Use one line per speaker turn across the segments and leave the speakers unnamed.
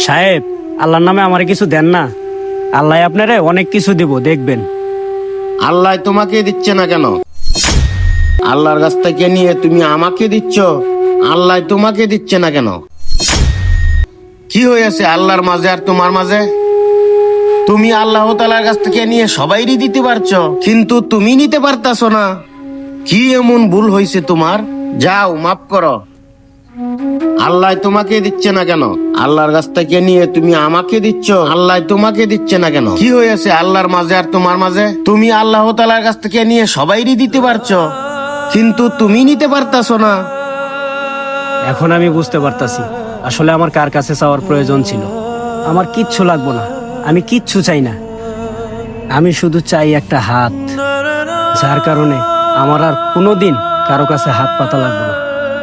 সাহেব, আল্লাহর নামে আমারে কিছু দেন না। আল্লাহ আপনারে অনেক কিছু দিব, দেখবেন।
আল্লাহ তোমাকে দিচ্ছে না কেন? আল্লাহর কাছ থেকে নিয়ে তুমি আমাকে দিচ্ছ, আল্লাহ তোমাকে দিচ্ছে না কেন? কি হয়েছে আল্লাহর মাঝে আর তোমার মাঝে? তুমি আল্লাহ তাআলার কাছ থেকে নিয়ে সবাইরই দিতে পারছো, কিন্তু তুমি নিতে পারতাছো না। কি এমন ভুল হয়েছে তোমার? যাও মাফ করো। আল্লাহ তোমাকে দিচ্ছে না কেন? আল্লাহর কাছ থেকে নিয়ে তুমি আমাকে দিচ্ছ, আল্লাহ তোমাকে দিচ্ছে না কেন? কি হয়েছে আল্লাহর মাঝে আর তোমার মাঝে? তুমি আল্লাহ তাআলার কাছ থেকে নিয়ে সবাইরই দিতে পারছো, কিন্তু তুমি নিতে পারতাছো না।
এখন আমি বুঝতে পারতাছি আসলে আমার কার কাছে চাওয়ার প্রয়োজন ছিল। আমার কিচ্ছু লাগবো না, আমি কিচ্ছু চাই না। আমি শুধু চাই একটা হাত, যার কারণে আমার আর কোনোদিন কারো কাছে হাত পাতা লাগবে না।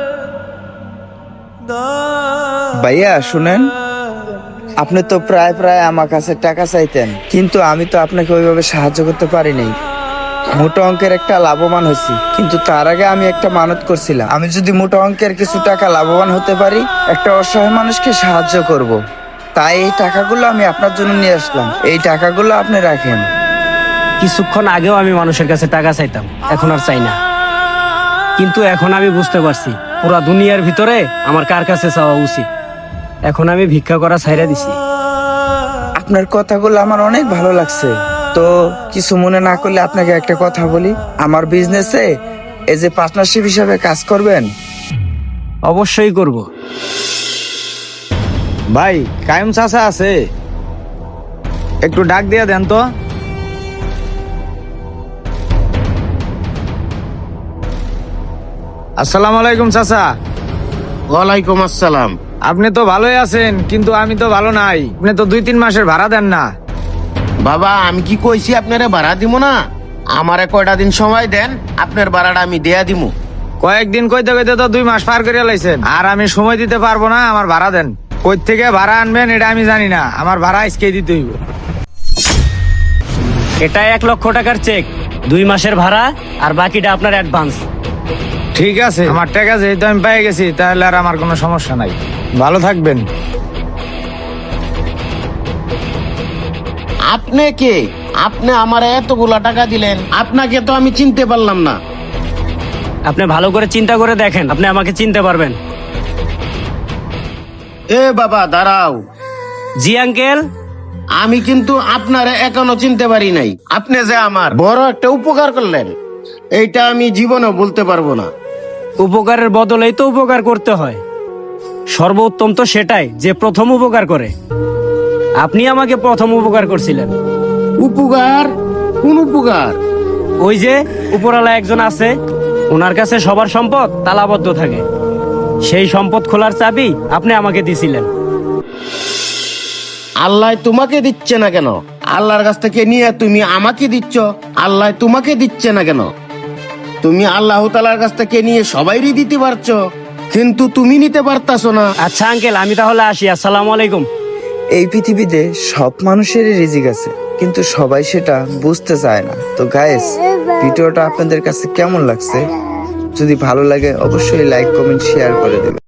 ভাইয়া শুনেন, আপনি তো প্রায় প্রায় আমার কাছে টাকা চাইতেন, কিন্তু আমি তো আপনাকে ওইভাবে সাহায্য করতে পারি নাই। মোটা অঙ্কের একটা লাভবান হয়েছি, কিন্তু তার আগে আমি একটা মানত করছিলাম, আমি যদি মোটা অঙ্কের কিছু টাকা লাভবান হতে পারি, একটা অসহায় মানুষকে সাহায্য করব। তাই এই টাকাগুলো আমি আপনার জন্য নিয়ে আসলাম, এই টাকাগুলো আপনি রাখেন।
কিছুক্ষণ আগেও আমি মানুষের কাছে টাকা চাইতাম, এখন আর চাই না। কিন্তু এখন আমি বুঝতে পারছি পুরা দুনিয়ার ভিতরে আমার কার কাছে চাওয়া উচিত। এখন আমি ভিক্ষা করা ছাইরা দিছি।
আপনার কথাগুলো আমার অনেক ভালো লাগছে। তো কিছু মনে না করলে আপনাকে একটা কথা বলি, আমার বিজনেসে এই যে পার্টনারশিপ হিসাবে কাজ করবেন?
অবশ্যই করব।
ভাই কায়েম চাচা আছে, একটু ডাক দিয়ে দেন তো। আসসালামু আলাইকুম চাচা।
ওয়ালাইকুম আসসালাম।
আপনি তো ভালোই আছেন, কিন্তু আমি তো ভালো নাই। আপনি তো 2-3 মাসের ভাড়া দেন না।
বাবা, আমি কি কইছি আপনারে ভাড়া দিব না? আমারে কয়টা দিন সময় দেন, আপনার ভাড়াটা আমি দেয়া দিমু।
কয়েকদিন কইতে কইতে তো 2 মাস পার করে লাইছেন, আর আমি সময় দিতে পারবো না। আমার ভাড়া দেন। কই থেকে ভাড়া আনবেন এটা আমি জানি না, আমার ভাড়া আজকেই দিতে হইব।
এটা 1 লক্ষ টাকার চেক, 2 মাসের ভাড়া, আর বাকিটা আপনার অ্যাডভান্স।
ঠিক আছে, আমার টাকা যেহেতু আমি পেয়ে গেছি, তাহলে আর আমার কোনো সমস্যা নাই। ভালো থাকবেন।
আপনি কে? আপনি আমারে এতগুলা টাকা দিলেন, আপনাকে তো আমি চিনতে পারলাম না।
আপনি ভালো করে চিন্তা করে দেখেন, আপনি আমাকে চিনতে পারবেন।
এ বাবা দাঁড়াও,
জি আঙ্কেল।
আমি কিন্তু আপনারে এখনো চিনতে পারি নাই। আপনি যে আমার বড় একটা উপকার করলেন, এইটা আমি জীবনেও বলতে পারবো না।
উপকারের বদলেই তো উপকার করতে হয়। সর্বোত্তম তো সেটাই যে প্রথম উপকার করে। আপনি আমাকে প্রথম উপকার করছিলেন।
উপকার? কোন উপকার?
ওই যে উপরওয়ালা একজন আছে, ওনার কাছে সবার সম্পদ তালাবদ্ধ থাকে। সেই সম্পদ খোলার চাবি আপনি আমাকে দিছিলেন।
আল্লাহ তোমাকে দিচ্ছে না কেন? আল্লাহর কাছ থেকে নিয়ে তুমি আমাকে দিচ্ছ, আল্লাহ তোমাকে দিচ্ছে না কেন? তুমি আল্লাহ তাআলার কাছ থেকে নিয়ে সবাইরই দিতে পারছো, কিন্তু তুমি নিতে পারতাছো না।
আচ্ছা আঙ্কেল, আমি তাহলে আসি। আসসালামু আলাইকুম।
এই পৃথিবীতে সব মানুষেরই রিজিক আছে, কিন্তু সবাই সেটা বুঝতে চায় না। তো গাইস, ভিডিওটা আপনাদের কাছে কেমন লাগছে? যদি ভালো লাগে অবশ্যই লাইক, কমেন্ট, শেয়ার করে দেবেন।